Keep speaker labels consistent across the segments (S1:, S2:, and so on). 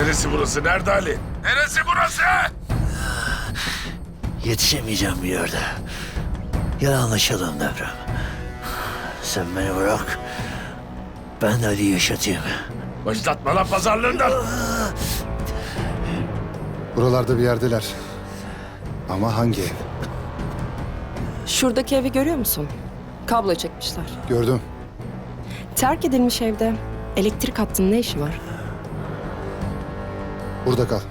S1: Neresi burası? Nerede Ali? Neresi burası?
S2: Yetişemeyeceğim bir yerde. Gel anlaşalım Devrem. Sen beni bırak. Ben de Ali'yi yaşatayım.
S1: Başlatma lan pazarlığından.
S3: Buralarda bir yerdeler. Ama hangi ev?
S4: Şuradaki evi görüyor musun? Kablo çekmişler.
S3: Gördüm.
S4: Terk edilmiş evde elektrik hattının ne işi var?
S3: Burada kal.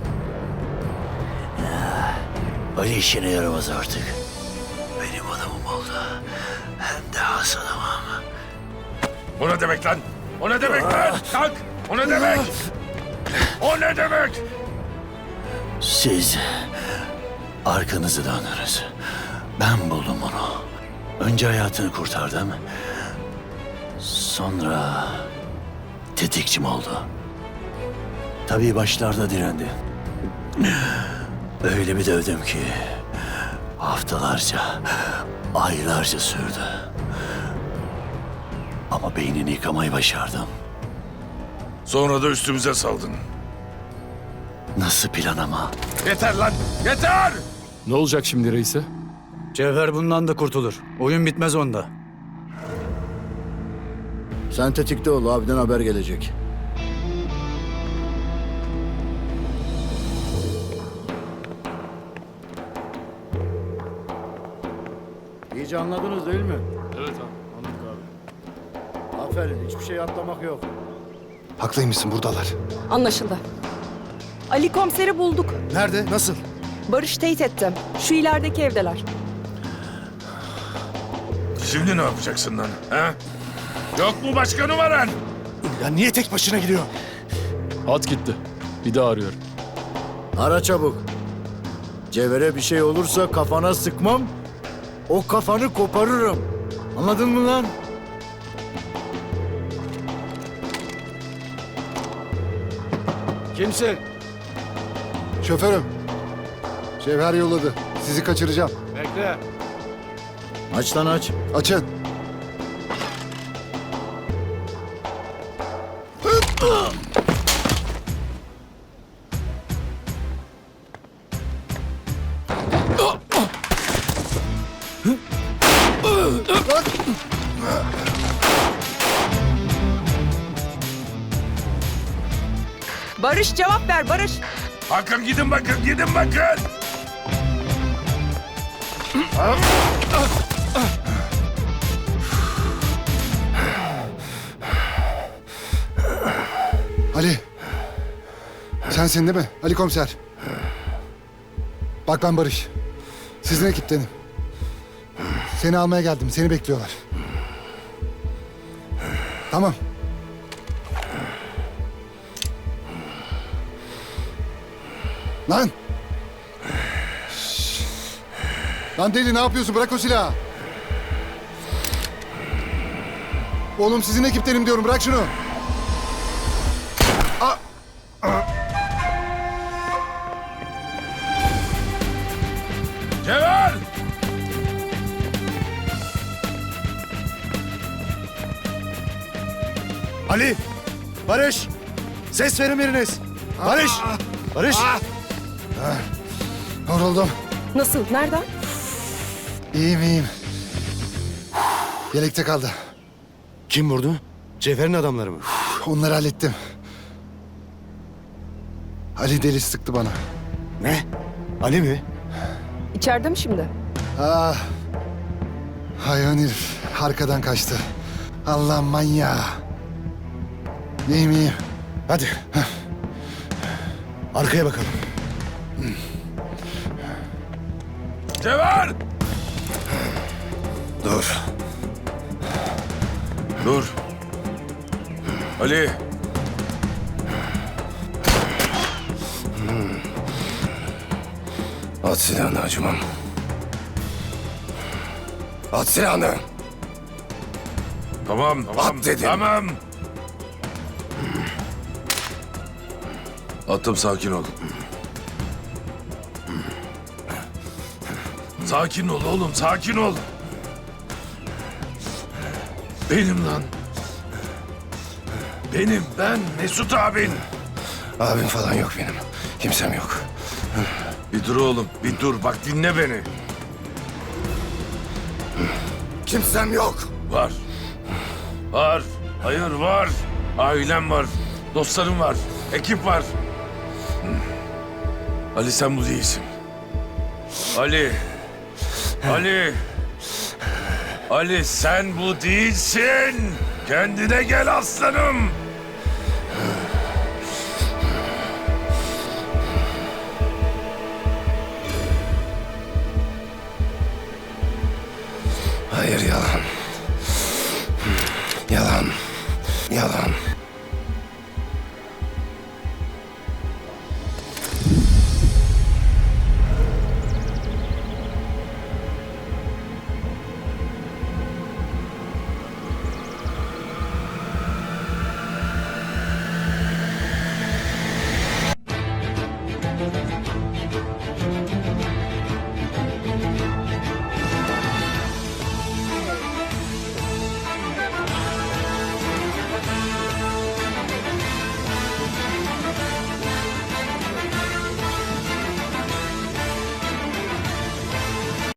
S2: Ali işine yaramaz artık. Benim adamım oldu. Hem de has adamım.
S1: O ne demek lan? O ne demek lan? Kalk! O ne demek? O ne demek?
S2: Siz arkanızı dönünüz. Ben buldum onu. Önce hayatını kurtardım. Sonra tetikçim oldu. Tabii başlarda direndi. Öyle bir dövdüm ki haftalarca, aylarca sürdü. Ama beynini yıkamayı başardım.
S1: Sonra da üstümüze saldın.
S2: Nasıl plan ama?
S1: Yeter lan! Yeter!
S5: Ne olacak şimdi reise?
S6: Cevher bundan da kurtulur. Oyun bitmez onda.
S2: Sen tetikte ol, abiden haber gelecek.
S7: İyice anladınız değil mi?
S5: Evet abi, anladık abi.
S7: Aferin, hiçbir şey atlamak yok.
S3: Haklıymışsın, buradalar.
S4: Anlaşıldı. Ali komiseri bulduk.
S3: Nerede? Nasıl?
S4: Barış teyit etti. Şu ilerideki evdeler.
S1: Şimdi ne yapacaksın lan? Ha? Yok mu başka numaran?
S3: Ya niye tek başına gidiyor?
S5: Hat gitti. Bir daha arıyorum.
S7: Ara çabuk. Cevher'e bir şey olursa kafana sıkmam, o kafanı koparırım. Anladın mı lan? Kimsin?
S3: Şoförüm. Cevher yolladı. Sizi kaçıracağım.
S7: Bekle. Aç lan aç.
S3: Açın.
S4: Barış cevap ver Barış.
S1: Bakın gidin bakın, gidin bakın!
S3: Ali. Sensin değil mi? Ali komiser. Bak ben Barış. Sizin ekiptenim. Seni almaya geldim. Seni bekliyorlar. Tamam. Lan! Şşş! Lan deli ne yapıyorsun? Bırak o silahı. Oğlum sizin ekiptenim diyorum. Bırak şunu.
S1: Cevher!
S7: Ali! Barış! Ses verin biriniz. Barış! Barış!
S3: Yoruldum.
S4: Nasıl? Nereden?
S3: İyiyim iyiyim. Yelekte kaldı.
S7: Kim vurdu? Cevher'in adamları mı?
S3: Onları hallettim. Ali deli sıktı bana.
S7: Ne? Ali mi?
S4: İçeride mi şimdi?
S3: Ah. Hayvan herif arkadan kaçtı. Allah manyağı. İyiyim iyiyim.
S7: Hadi. Arkaya bakalım.
S1: Cevher!
S7: Dur.
S1: Dur. Ali.
S7: At silahını acımam. At silahını.
S1: Tamam, tamam.
S7: At dedim.
S1: Tamam. Attım, sakin ol. Sakin ol oğlum, sakin ol. Benim lan. Benim, ben Mesut abin. Abim falan yok benim. Kimsem yok. Bir dur oğlum, bir dur. Bak dinle beni. Kimsem yok. Var. Var. Hayır var. Ailem var. Dostlarım var. Ekip var. Ali sen bu değilsin. Ali. Ali. Ali sen bu değilsin. Kendine gel aslanım.